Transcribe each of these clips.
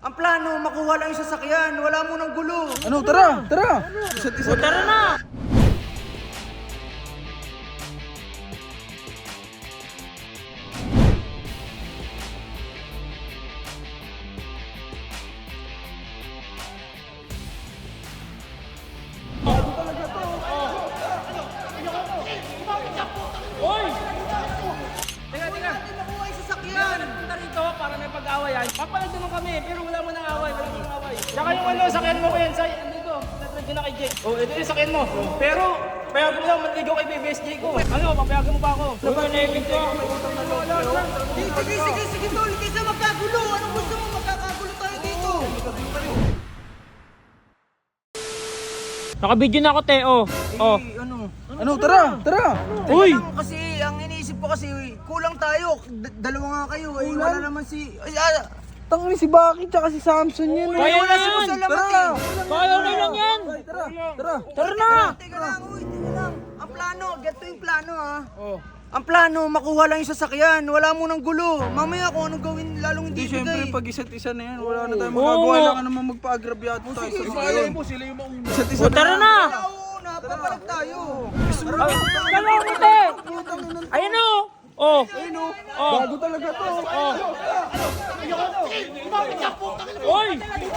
Ang plano, makuha lang yung sasakyan. Wala mo ng gulo. Ano, tara, tara. Isa't isa. Tara na! Hoy! Teka, teka. Hindi makuha yung sasakyan. Punta rito para may pag-awayan. Papalag naman kami, pero wala mo nang away, wala mo nang away. Tsaka yung ano, sakyan mo ko yan, say, andito, natrag ko na kay Jake. Oh, ito yung sakyan mo. Pero, payagan mo lang, manligaw kay BBSJ ko. Ano, papayagan mo pa ako. Laban-ebig ko. Sige, tol. Kaysa magkagulo. Anong gusto mo? Magkakagulo tayo dito. Naka-video na ako, Teo. Oh. Ano, tara, tara. Uy! Kasi, ang iniisip ko kasi, kulang tayo. Dalawa nga kayo. Eh, wala naman si... Tangin si Baki tsaka si Samson yan. Kaya wala na si yan. Boss Alamat Tara. eh. Kaya na lang yan. Tara, tara. Tara na! Teka lang. Ang plano, ganito yung plano ha. Oh. Ang plano, makuha lang yung sasakyan. Wala mo ng gulo. Mamaya kung anong gawin, lalong Di, hindi syempre, bigay. pag isa't isa na yan, wala na tayong magagawa. Oo. Lang ka naman magpa-agrabyado tayo sa sila mo, sila yung mauna. Isa't isa O, tara na! Oo, napapalag tayo. Dalawa mo, Te! Ayun o! Oh! Oh! Bago talaga to. Oh! Oy!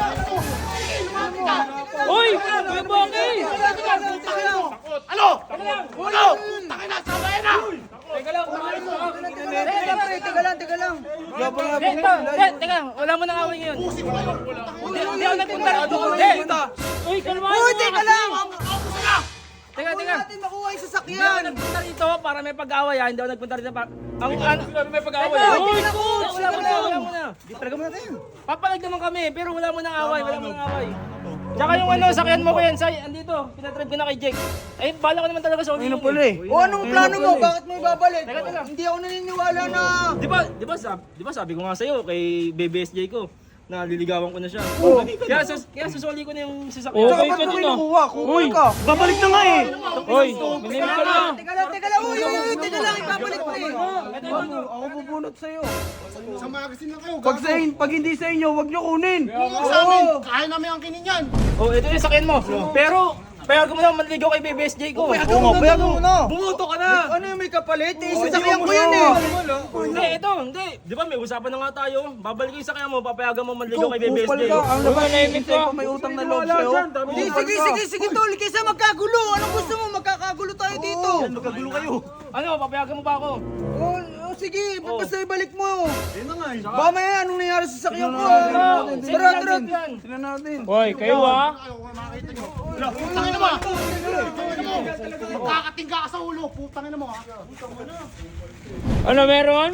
Oy! Kuya Baki! Ano? Ano? Tangin na, sabayan na! Teka lang, kumain mo. Teka lang. Teka, wala mo nang away ngayon. Hindi ako nagpunta rito. Uy, kalma. Uy, teka lang. Teka, Huwag teka. natin makuha yung Hindi ako sasakyan. nagpunta rito para may pag-awayan. Hindi ako nagpunta rito para... Ang ano... may pag-away. Uy, wala mo na, wala mo na. Talaga mo natin. Papalag naman kami, pero wala mo nang away, wala mo nang away. Tsaka yung ano, sakyan mo ko yan, say, andito, pinatrive ko na kay Jake. Ay, bala ko naman talaga sa ulo. Ayun na pala eh. O anong plano mo? Bakit mo ibabalik? Teka. Hindi ako naniniwala na... Di ba sabi ko nga sa'yo kay BBSJ ko na liligawan ko na siya. Kaya susuli ko na yung sasakyan. Tsaka ba't mo kinukuha? Kukuha ka. Babalik na nga eh. Hoy, minimik ka na. Teka lang. Uy, teka lang. Ibabalik mo eh. Ako bubunot sa'yo. Sa magazine lang kayo. Pag hindi sa inyo, wag nyo kunin. Huwag sa amin. Kaya namin ang kinin yan. Oh, ito yung sakyan mo. Pero, payagan mo lang manligaw kay BBSJ ko. Payagan mo na. Bumuto ka na. Ano yung may kapalit? Eh, sasakyan ko yan eh. Hindi, ito, hindi. Di ba may usapan na nga tayo? Babalik yung sakyan mo, papayagan mo manligaw kay BBSJ. Kupal ka. Ang laban ni pa may utang na loob sa'yo. Sige, tol. Kaysa magkagulo. Anong gusto mo? Magkakagulo tayo dito. Magkagulo kayo. Ano, papayagan mo pa ako? Oh, sige. Basta ibalik mo. Yun na nga eh. Ba may anong nangyari sa sakyan ko? Tara. Tingnan natin. Hoy, kayo ah. Putangin mo! Magkakatingga ka sa ulo. Putangin mo ha. Ano meron?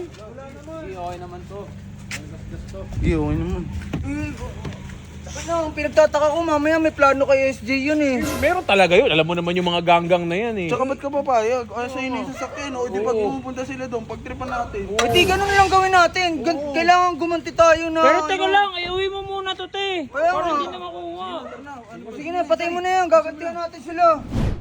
Iyo, okay naman. Ano, pinagtataka ko mamaya may plano kay SJ yun eh. Meron talaga yun. Alam mo naman yung mga ganggang na yan eh. Tsaka ba't ka papayag? Ay, sa'yo na yung sasakyan. O, di pag pumupunta sila doon, pagtripan natin. Eh di ganun lang gawin natin. Kailangan gumanti tayo na... Pero teka lang, iuwi mo muna to, te. Kaya Para nga. hindi na makuha. Sige na, patay mo na yan. Gagantihan natin sila.